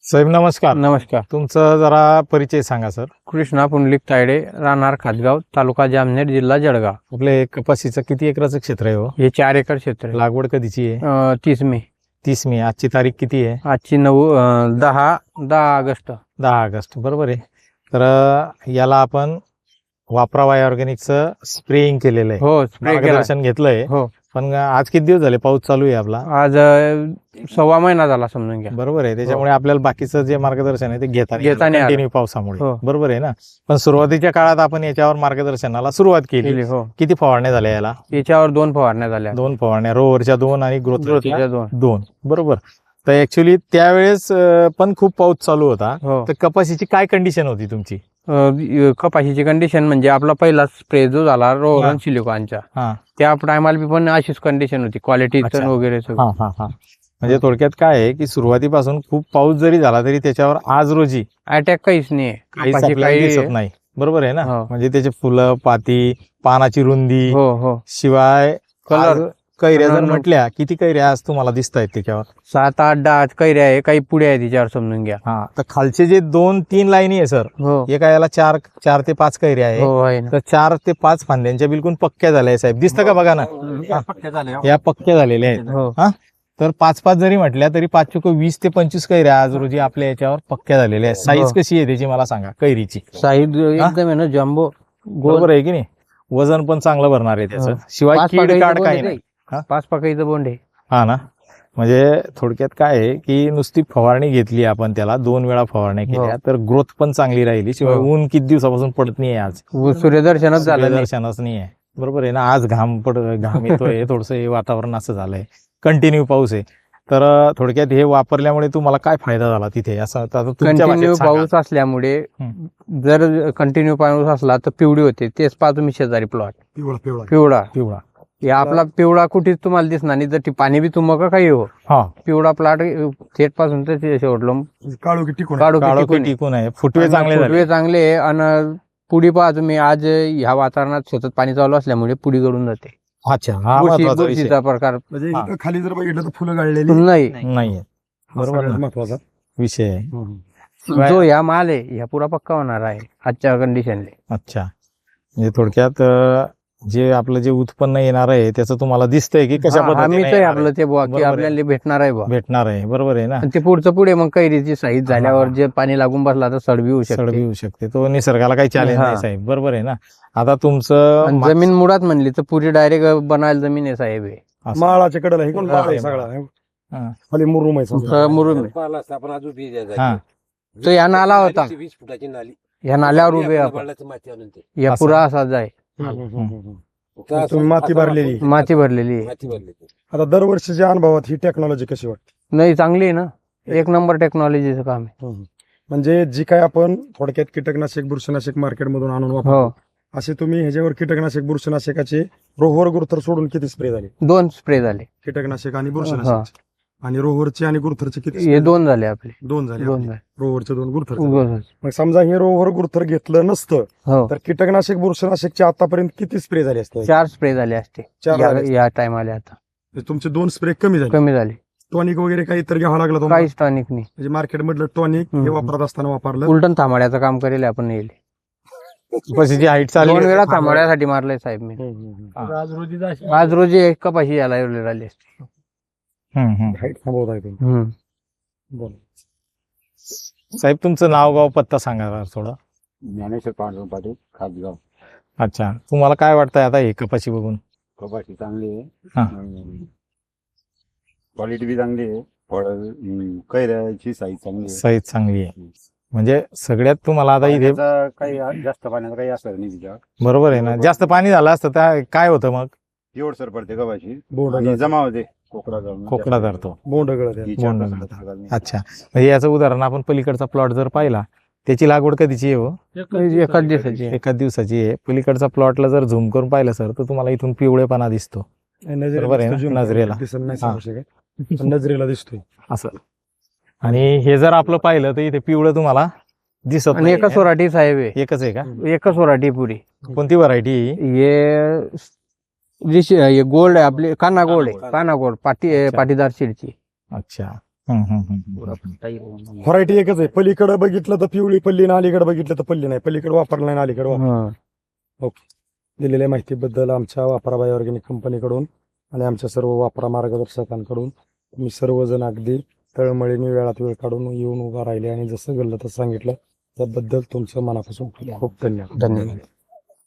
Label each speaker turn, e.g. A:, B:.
A: साहेब नमस्कार.
B: नमस्कार.
A: तुमचा जरा परिचय सांगा सर.
B: कृष्णा पुंडलिक तायडे, राहणार खातगाव, तालुका जामनेर, जिल्हा जळगाव.
A: आपले कपाशीचं किती एकराचं क्षेत्र आहे हो?
B: हे 4 एकर क्षेत्र आहे.
A: लागवड कधीची आहे?
B: 30 मे.
A: 30 मे. आजची तारीख किती आहे?
B: आजची 10 ऑगस्ट.
A: 10 ऑगस्ट बरोबर आहे. तर याला आपण वापरा बाय ऑर्गॅनिकचं स्प्रेइंग केलेलं आहे.
B: हो, स्प्रे केला.
A: मार्गदर्शन घेतलंय.
B: हो,
A: पण आज किती दिवस झाले पाऊस चालू आहे आपला?
B: आज 1.25 महिना झाला समजून घ्या.
A: बरोबर आहे. त्याच्यामुळे आपल्याला बाकीचं जे मार्गदर्शन आहे ते घेता कंटिन्यू पावसामुळे.
B: हो.
A: बरोबर आहे ना. पण सुरुवातीच्या काळात आपण याच्यावर मार्गदर्शनाला सुरुवात केली.
B: हो,
A: किती फवारण्या झाल्या याला?
B: याच्यावर 2 फवारण्या झाल्या.
A: 2 फवारण्या, रोवरच्या 2 आणि ग्रोथच्या
B: 2.
A: 2. बरोबर. तर ऍक्च्युली त्यावेळेस पण खूप पाऊस चालू होता.
B: हो.
A: तर कपाशीची काय कंडिशन होती तुमची?
B: कपाशीची कंडिशन म्हणजे आपला पहिला स्प्रे जो झाला रोहन सिलिकॉनचा,
A: हा
B: त्या टायमाला पण अशीच कंडिशन होती, क्वालिटी
A: अच्छा.
B: वगैरे सगळं.
A: हा हा हा. म्हणजे थोडक्यात काय आहे की सुरुवातीपासून खूप पाऊस जरी झाला तरी त्याच्यावर आज रोजी
B: अटॅक काहीच नाही.
A: काहीच
B: कपाशी
A: आपल्याला दिसत नाही. बरोबर आहे ना.
B: हो.
A: म्हणजे त्याचे फुलं, पाती, पानाची रुंदी,
B: हो हो,
A: शिवाय
B: कलर.
A: कैऱ्या जर
B: कलर.
A: म्हटल्या, किती कैऱ्या आज तुम्हाला दिसत आहेत त्याच्यावर?
B: 7, 8, 10 कैऱ्या आहे, काही पुढे आहे तिच्यावर समजून घ्या.
A: हा. तर खालचे जे 2-3 लाईनी आहे सर,
B: हो
A: एका याला 4 ते 5 कैऱ्या आहे.
B: हो आहे ना.
A: तर 4 ते 5 फांद्यांच्या बिलकुल पक्क्या झाल्या आहे साहेब. दिसतं का बघा ना, या पक्क्या झालेल्या आहेत.
B: हो
A: हा. तर 5-5 जरी म्हटल्या तरी 5 चुक 20 ते 25 कैऱ्या आज रोजी आपल्या याच्यावर पक्क्या झालेल्या आहेत. साईज कशी आहे त्याची मला सांगा कैरीची?
B: साईज एकदम आहे ना जम्बो.
A: बरोबर आहे की नाही? वजन पण चांगलं भरणार आहे त्याचं. शिवाय कीड काढ काही नाही.
B: 5 पाकळीचं बोंड आहे.
A: हा ना. म्हणजे थोडक्यात काय आहे की नुसती फवारणी घेतली आपण, त्याला 2 वेळा फवारण्या केल्या तर ग्रोथ पण चांगली राहिली. शिवाय
B: हो.
A: ऊन किती दिवसापासून पडत नाही आज,
B: सूर्यदर्शनच झालं नाही.
A: दर्शनच नाही आहे. बरोबर आहे ना. आज घाम येतोय, थोडस वातावरण असं झालंय, कंटिन्यू पाऊस आहे. तर थोडक्यात हे वापरल्यामुळे तुम्हाला काय फायदा झाला तिथे असं आता तुमच्या
B: कंटिन्यू
A: भाषेत सांगा.
B: पाऊस असल्यामुळे जर कंटिन्यू पाऊस असला तर पिवळी होते. तेच पहा तुम्ही शेजारी प्लॉट पिवळा.
A: पिवळा.
B: हे आपला पिवळा कुठेच तुम्हाला दिसणार नाही. जर ती पाणी बी तुमका काही हो,
A: हा.
B: पिवळा प्लॉट थेट पासून तर ते शेवटलं
A: काळो की टिकून आहे. फुटवे चांगले झाले.
B: फुटवे चांगले आहे. आणि पुढी पहा तुम्ही, आज ह्या वातावरणात सतत पाणी चालू असल्यामुळे पुढी गळून जाते.
A: अच्छा, हा महत्वाचा विषय
B: बुरशीचा प्रकार
C: म्हणजे खाली जर बघितलं तर फुलं गाळलेली
B: नाही.
A: नाहीये. बरोबर ना.
C: महत्वाचा
A: विषय आहे.
B: जो ह्या माल आहे ह्या पुरा पक्का होणार आहे आजच्या कंडिशनले.
A: अच्छा. म्हणजे थोडक्यात जे आपलं जे उत्पन्न येणार आहे त्याचं तुम्हाला दिसतंय की कशा पद्धतीने येणार आहे?
B: आपलं ते बुवा की
A: बरोबर आहे.
B: आपल्याला भेटणार आहे बुवा.
A: भेटणार आहे. बरोबर आहे ना.
B: आणि ते पुढचं पुढे मग कैरीची साईज झाल्यावर जे पाणी लागून बसला तर सडबी होऊ
A: सडबी
B: शकते.
A: होऊ शकते. तो निसर्गाला काही चॅलेंज
B: हा.
A: नाही साहेब. बरोबर आहे ना. आता तुमचं
B: आणि जमीन मुळात म्हणली तर पुरी डायरेक्ट बनायला जमीन आहे साहेब हे.
A: असं.
C: माळाच्या कडेला हे कोण
B: हा.
C: माळ आहे सगळा
A: हा.
C: खाली मुरुम आहे समजा.
B: तर मुरुम आहे.
A: हा.
B: तो या नाला होता.
D: 20 फुटाची नाली
B: ह्या नाल्यावर उभे आपण.
D: बळाचं माती आणून ते
B: या
A: असं.
B: पुरा असाच आहे.
C: तुम्ही माती भरलेली.
B: माती भरलेली आहे.
D: माती भरली ते.
C: आता दरवर्षीच्या अनुभवात ही टेक्नॉलॉजी कशी वाटते?
B: नाही, चांगली आहे ना. 1 नंबर टेक्नॉलॉजीचं काम आहे.
C: म्हणजे जी काय आपण थोडक्यात कीटकनाशक बुरशीनाशक मार्केटमधून आणून वापरतो,
B: हो,
C: असे तुम्ही ह्याच्यावर कीटकनाशक बुरशीनाशकाचे रोहर गुरुथर सोडून किती स्प्रे झाले?
B: 2 स्प्रे झाले.
C: कीटकनाशक आणि बुरशीनाशक आणि रोहरचे आणि गुरुथरचे किती?
B: हे 2 झाले आपले.
C: 2 झाले.
B: 2
C: आपले.
B: झाले.
C: रोहरचे 2 गुरुथर.
B: उगाच.
C: मग समजा हे रोहर गुरुथर घेतलं नसतं
B: हो,
C: तर कीटकनाशक बुरशीनाशकचे आतापर्यंत किती स्प्रे झाले असते?
B: 4 स्प्रे झाले असते
C: 4 झाले असते.
B: या टायमाला. आता
C: म्हणजे तुमचे 2 स्प्रे कमी झाले.
B: कमी झाले.
C: टॉनिक वगैरे काही तर घ्यावं लागलं तुम्हाला?
B: काहीच टॉनिक नाही.
C: म्हणजे मार्केट मधलं टॉनिक हे
B: हम्म.
C: वापरत असताना वापरलं.
B: उलटण थांबाड्याचं काम करेल आपण येईल.
A: कपाशीची हाईट
B: 2
A: चालली
B: वेळा थांबाड्यासाठी मारलंय साहेब मी. आज रोजी एक कपाशी याला एवढी राहिली असते.
C: हाईट थांबवत आहे तुम्ही. बोला.
A: साहेब तुमचं नाव गाव पत्ता सांगा जरा थोडं.
D: ज्ञानेश्वर पांडुरंग पाटील खातगाव.
A: अच्छा. तुम्हाला काय वाटतंय आता हे कपाशी बघून?
D: कपाशी चांगली
A: हा.
D: आहे. क्वालिटी बी चांगली आहे. फळ कैऱ्याची साईज चांगली आहे.
A: साईज चांगली आहे. म्हणजे सगळ्यात तुम्हाला आता इथे
D: पाण्याचा काही जास्त पाण्याचा काही असर नाही तिच्यावर.
A: बरोबर आहे ना. जास्त पाणी झालं असतं तर काय होतं मग?
D: एवढसर पडते कपाशी
C: बोंड
D: आणि
C: गळत.
D: जमा होते. कोकडा जाऊन
A: कोकडा धरतो.
C: बोंड गळत आहे.
A: बोंड गळत. अच्छा. म्हणजे याचं उदाहरण आपण पलीकडचा प्लॉट जर पाहिला, त्याची लागवड कधीची आहे हो?
B: एकाच दिवसाची.
A: एकाच दिवसाची आहे. पलीकडचा प्लॉटला जर झूम करून पाहिलं सर तर तुम्हाला इथून पिवळेपणा दिसतो. बरोबर आहे ना?
C: दिसतो.
A: नजरेला.
C: दिसत नाही
A: हा.
C: सांगू शकत. पण नजरेला दिसतोय.
A: असं. आणि हे जर आपलं पाहिलं तर इथे पिवळं तुम्हाला दिसत
B: आणि
A: नाही.
B: एकच वराठी साहेब आहे.
A: एकच आहे का?
B: एकच वराठी पुरी.
A: कोणती व्हरायटी?
B: हे गोल्ड आहे आपली. काना गोल्ड आहे. काना गोल्ड पाटीदार शिडची.
A: अच्छा.
C: व्हरायटी एकच आहे, पलीकडे बघितलं तर पिवळी पल्ली ना अलीकडे बघितलं तर पल्ली नाही, पलीकडे वापरला नाही अलीकडे दिलेल्या माहितीबद्दल आमच्या वापरा बाय ऑर्गॅनिक कंपनीकडून आणि आमच्या सर्व वापरा मार्गदर्शकांकडून तुम्ही सर्वजण अगदी तळमळीने वेळात वेळ काढून येऊन उभा राहिले आणि जसं घडलं तसं सांगितलं त्याबद्दल तुमचं मनापासून खूप खूप धन्यवाद.
B: धन्यवाद.